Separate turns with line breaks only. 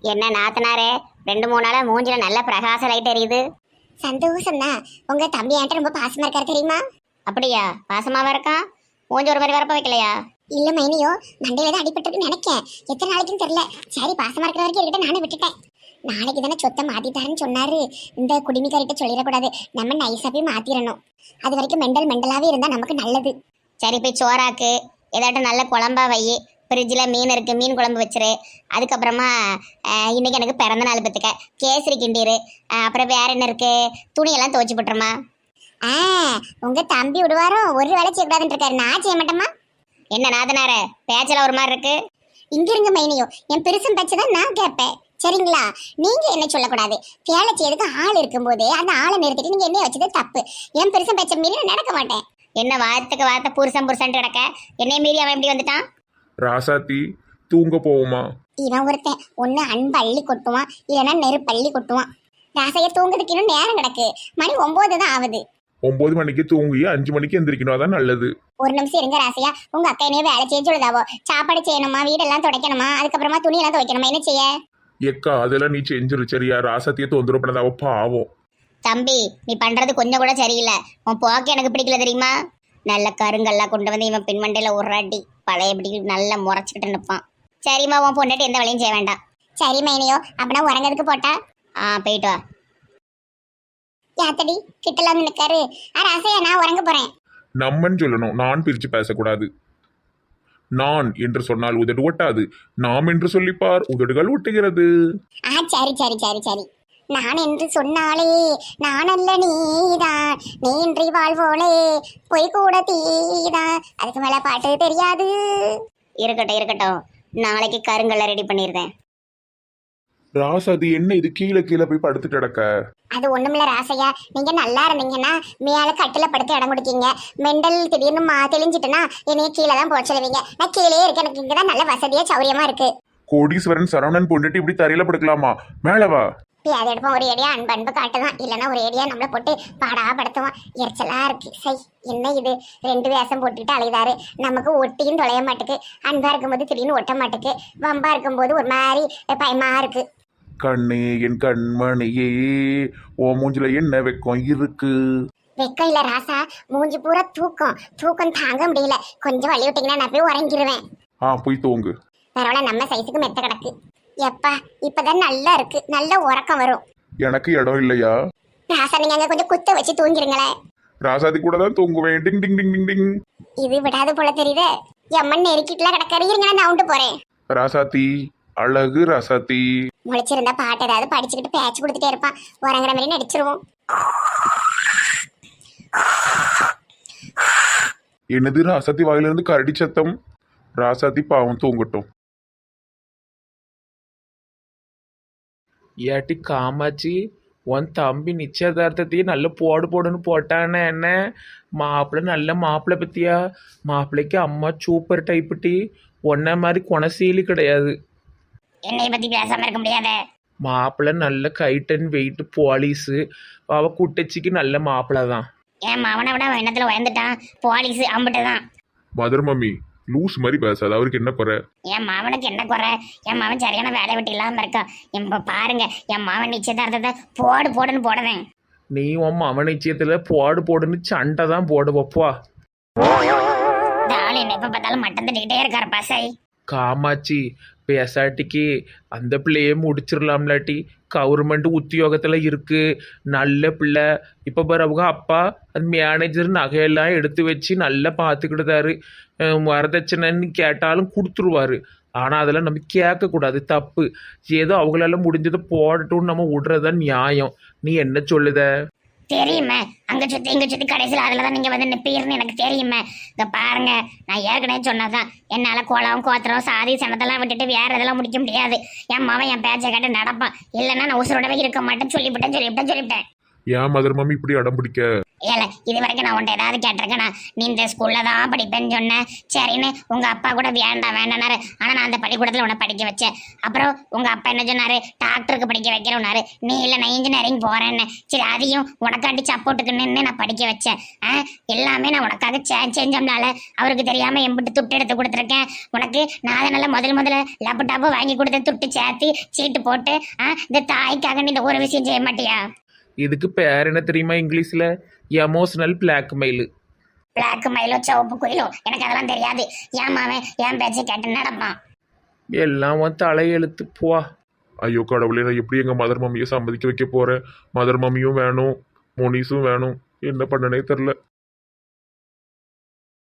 என்ன நாத்தனாரே, 2 3 நாளா மூஞ்சில நல்ல பிரகாச லைட் எரியுது.
சந்தோஷம் தான். உங்க தம்பி என்கிட்ட ரொம்ப பாசமா இருக்காரு தெரியுமா?
அப்படியா? பாசமாவா இருக்கான்? மூஞ்சி ஒரு மாதிரி வரப்ப வைக்கலையா?
இல்ல மைனியோ, மண்டையில தான் அடிபட்டுருக்குன்னு நினைக்கேன். எத்தனை நாளைக்குன்னு தெரியல. சரி, பாசமா இருக்கிற வரைக்கும் இருக்கட்டும், நானே விட்டுட்டேன். நாளைக்கு தானே சொத்தை மாத்திட்டாருன்னு சொன்னாரு. இந்த குடிமிக்காரிட்ட சொல்லிடக்கூடாது, நம்ம நைஸா போய் மாத்திரணும். அது வரைக்கும் மெண்டலாவே இருந்தா நமக்கு நல்லது.
சரி, போய் சோறாக்கு, ஏதாட்டும் நல்ல குழம்பா வை. ஃப்ரிட்ஜில் மீன் இருக்குது, மீன் குழம்பு வச்சிரு. அதுக்கப்புறமா இன்னைக்கு எனக்கு பிறந்த நாள் பத்துக்க கேசரி கிண்டிரு. அப்புறம் வேற என்ன இருக்கு? துணியெல்லாம் துவச்சி போட்டுருமா.
உங்க தம்பி விடுவாரோ? ஒரு வேலை செய்யக்கூடாதுன்னு இருக்காரு, நான் செய்ய மாட்டேமா.
என்ன நாதனார பேச்சில் ஒரு மாதிரி இருக்கு?
இங்க இருங்க மைனியோ, என் பெருசும் பேச்சதான் நான் கேட்பேன், சரிங்களா? நீங்க என்ன சொல்லக்கூடாது. வேலை செய்யறதுக்கு ஆள் இருக்கும்போது அந்த ஆளை நிறுத்திட்டு நீங்க என்ன வச்சது தப்பு. என் பெருசும் பேச்ச மீறி நான் நடக்க மாட்டேன்.
என்ன வார்த்தைக்கு வார்த்தை புருஷன் கிடக்க? என்னைய மீறி அவன் எப்படி வந்துட்டான்?
ராசாத்தி, தூங்க போவோமா?
இவன் ஒருத்தன் ஒன்னு அன்பு அள்ளி கொட்டுவான், இல்லைன்னா நெருப்பள்ளி கொட்டுவான். ராசைய தூங்குறதுக்கு இன்னும் நேரம் கிடக்கு. மணி 9 தான் ஆகுது.
9 மணிக்கு தூங்கி 5 மணிக்கு எந்திரிக்கணும், அதான் நல்லது.
ஒரு நிமிஷம் இருங்க ராசையா. உங்க அக்கா என்னைய வேலை செய்ய சொல்லுதாவோ? சாப்பாடு செய்யணுமா, வீடெல்லாம் துடைக்கணுமா, அதுக்கப்புறமா துணியெல்லாம் துவைக்கணுமா, என்ன செய்ய?
எக்கா, அதெல்லாம் நீ செஞ்சிரு சரியா? ராசாத்தியை தொந்தரவு பண்ணாத, அவ பாவம்.
தம்பி, நீ பண்றது கொஞ்சம் கூட சரியில்லை. உன் போக்கு எனக்கு பிடிக்கல தெரியுமா? நல்ல கருங்கல்லாம் கொண்டு வந்து இவன் பின்மண்டையில உருளாட்டி பழையபடி நல்லா முறைச்சிக்கிட்டு நிற்பான். சரிம்மா, உன் பொண்டாட்டி எந்த வேலையும் செய்ய வேண்டாம்.
சரி மைனியோ, அப்படின்னா உறங்கிறதுக்கு போட்டா?
போயிட்டு வா.
யாத்தடி கிட்டல வந்து நிக்காரு. ராசையா, நான் உறங்க போறேன்.
நம்மன்னு சொல்லணும், நான் பிரிச்சு பேசக்கூடாது. நான் என்று சொன்னால் உதடு ஒட்டாது, நாம் என்று சொல்லிப்பார் உதடுகள் ஒட்டுகிறது.
சரி சரி சரி சரி. நான் என்று சொன்னாலே நான் அல்ல நீதான், நீன்றி வாழ்வோலே பொய் கூட தீதான். அதுக்கு மேல பாட்டு தெரியாது.
இருக்கட்டும், நாளைக்கு கருங்கல்ல ரெடி பண்ணிருந்தேன்.
ராசாதி, என்ன இது கீழே கீழே போய் படுத்து கிடக்க?
அது ஒண்ணுமில்ல ராசையா, நீங்க நல்லா இருந்தீங்கன்னா மேல கட்டில படுத்து இடம் கொடுக்கீங்க. மெண்டல் திடீர்னு தெளிஞ்சிட்டுனா என்னைய கீழே தான் போக சொல்லுவீங்க. நான் கீழே இருக்கேன், எனக்கு இங்கதான் நல்ல வசதியா சௌரியமா இருக்கு.
கோடீஸ்வரன் சரவணன் பொண்டுட்டு இப்படி தரையில படுக்கலாமா? மேலவா.
அதை எடுப்போம். ஒரு ஏடியா அன்பு காட்டுதான், இல்லைன்னா ஒரு ஏடியா நம்மளை போட்டு பாடா படுத்துவான். எரிச்சலா இருக்கு. சை, என்ன இது 2 வேஷம் போட்டுக்கிட்டு அலைதாரு. நமக்கு ஒட்டியும் தொலைய மாட்டுக்கு. அன்பா இருக்கும்போது திடீர்னு ஒட்ட மாட்டுக்கு, வம்பா இருக்கும்போது ஒரு மாதிரி பயமா இருக்கு.
கண்ணே என் கண்மணியே, ஓ மூஞ்சில என்ன வெக்கம் இருக்கு?
வெக்கம் இல்ல ராசா, மூஞ்சி பூரா தூக்கம் தாங்க முடியல. கொஞ்சம் வழி விட்டீங்கன்னா நான் போய் உறங்கிடுவேன்.
போய் தூங்கு.
பரவாயில்ல, நம்ம சைஸுக்கு மெத்த கிடக்கு. எப்பா, இப்பதான் நல்லா இருக்கு, நல்ல உறக்கம் வரும்.
எனக்கு இடம் இல்லையா?
ராசா, நீங்க அங்க கொஞ்சம் குத்த வச்சு தூங்கிருங்களேன்.
ராசாதி கூட தான் தூங்குவேன். டிங் டிங் டிங் டிங் டிங்.
இது விடாது போல தெரியுது. எம்மன் நெருக்கிட்டுலாம் கிடக்காரு. இருங்க, நான் உண்டு போறேன்.
ராசாத்தி, அழகு ராசாத்தி.
முழிச்சிருந்தா பாட்டு ஏதாவது படிச்சுக்கிட்டு பேச்சு கொடுத்துட்டே இருப்பான். உறங்குற மாதிரி நடிச்சிருவோம்.
என்னது ராசாத்தி வாயிலிருந்து கரடி சத்தம்? ராசாத்தி பாவம், தூங்கட்டும்.
ஏட்டி காமாச்சி, உன் தம்பி நிச்சயதார்த்தத்தையே நல்ல போடுன்னு போட்டானே. என்ன மாப்பிள்ளை, நல்ல மாப்பிள்ளை பத்தியா? மாப்பிள்ளைக்கு அம்மா சூப்பர் டைப்புட்டி. ஒன்ன மாதிரி குணசீலி கிடையாது.
என்னை பத்தி பேசாம இருக்க முடியாத.
மாப்பிள்ளை நல்ல கைட் அண்ட் வெயிட் போலீஸு. அவ குட்டச்சிக்கு நல்ல மாப்பிள்ளை தான்.
என் மவனை விட அவன் எண்ணத்துல உயர்ந்துட்டான். போலீஸ் அம்பிட்டு தான்.
மதர் மம்மி, லூஸ் மாதிரி பேசாது. அவருக்கு என்ன குறை?
என் மாவனுக்கு என்ன குறை? என் மாவன் சரியான வேலை விட்டு இல்லாம இருக்கான். இப்ப பாருங்க, என் மாவன் நிச்சயதார்த்தத்தை போடுன்னு போடுவேன்.
நீ உன் அவன் நிச்சயத்துல போடுன்னு சண்டை தான் போடுவப்பா.
ஆள் என்ன எப்ப பார்த்தாலும் மட்டம் தட்டிக்கிட்டே இருக்காரு பசை.
காமாச்சி, பேசாட்டிக்கு அந்த பிள்ளையே முடிச்சிடலாம்லாட்டி. கவர்மெண்ட் உத்தியோகத்தில் இருக்கு, நல்ல பிள்ளை. இப்போ அவங்க அப்பா அந்த மேனேஜர் நகையெல்லாம் எடுத்து வச்சு நல்லா பார்த்துக்கிட்டுதாரு. வரதட்சணைன்னு கேட்டாலும் கொடுத்துருவாரு. ஆனால் அதெல்லாம் நம்ம கேட்கக்கூடாது, தப்பு. ஏதோ அவங்களால முடிஞ்சதை போடட்டும்னு நம்ம விடுறதுதான் நியாயம். நீ என்ன சொல்லுத?
தெரியுமே, அங்க சுத்தி இங்க சுத்தி கடைசியில் அதுலதான் நீங்க வந்து நிப்பீர்னு எனக்கு தெரியுமே. இங்க பாருங்க, நான் ஏற்கனவே சொன்னதான், என்னால கோலம் கோத்திரம் சாதி சனத்தெல்லாம் விட்டுட்டு வேற இதெல்லாம் முடிக்க முடியாது. என் மாவன் என் பேச்சை கேட்டு நடப்பான், இல்லைன்னா நான் உசுரோடவே இருக்க மாட்டேன்னு சொல்லிவிட்டேன்.
ஏன் மதர் மம்மி இப்படி அடம் பிடிக்க?
ஏல இது வரைக்கும் நான் உன்ட்ட ஏதாவது கேட்டிருக்கேனா? நீ இந்த ஸ்கூல்ல தான் படிப்பேன்னு சொன்னேன். சரின்னு உங்க அப்பா கூட வேண்டாம் வேண்டானாரு. ஆனா நான் அந்த பள்ளிக்கூடத்துல உன்னை படிக்க வச்சேன். அப்புறம் உங்க அப்பா என்ன சொன்னாரு? டாக்டருக்கு படிக்க வைக்கிறோம்னாரு. நீ இல்லை நான் இன்ஜினியரிங் போறேன்னு. சரி அதையும் உனக்காண்டி சப்போர்ட்டுக்கு நின்று நான் படிக்க வச்சேன். எல்லாமே நான் உனக்காக செஞ்சோம்னால அவருக்கு தெரியாம எம்பிட்டு துட்டு எடுத்து கொடுத்துருக்கேன். உனக்கு நான் அதனால முதல்ல லேப்டாப்பு வாங்கி கொடுத்து துட்டு சேர்த்து சீட்டு போட்டு இந்த தாய்க்காக நீ இந்த ஒரு விஷயம் செய்ய மாட்டியா?
இதுக்கு பேர் என்ன தெரியுமா இங்கிலீஷில்? Emotional blackmail.
பிளாக் மயிலோ சிவப்பு குயிலோ எனக்கு அதெல்லாம் தெரியாது. ஏன் மாவன் என் பேச்சை கேட்டு நடப்பான்.
எல்லாம் உன் தலையெழுத்து போ.
ஐயோ கடவுளே, நான் எப்படி எங்கள் மதர் மம்மியை சம்மதிக்க வைக்க போகிறேன்? மதர் மம்மியும் வேணும், மோனிஸும் வேணும். என்ன பண்ணனே தெரில.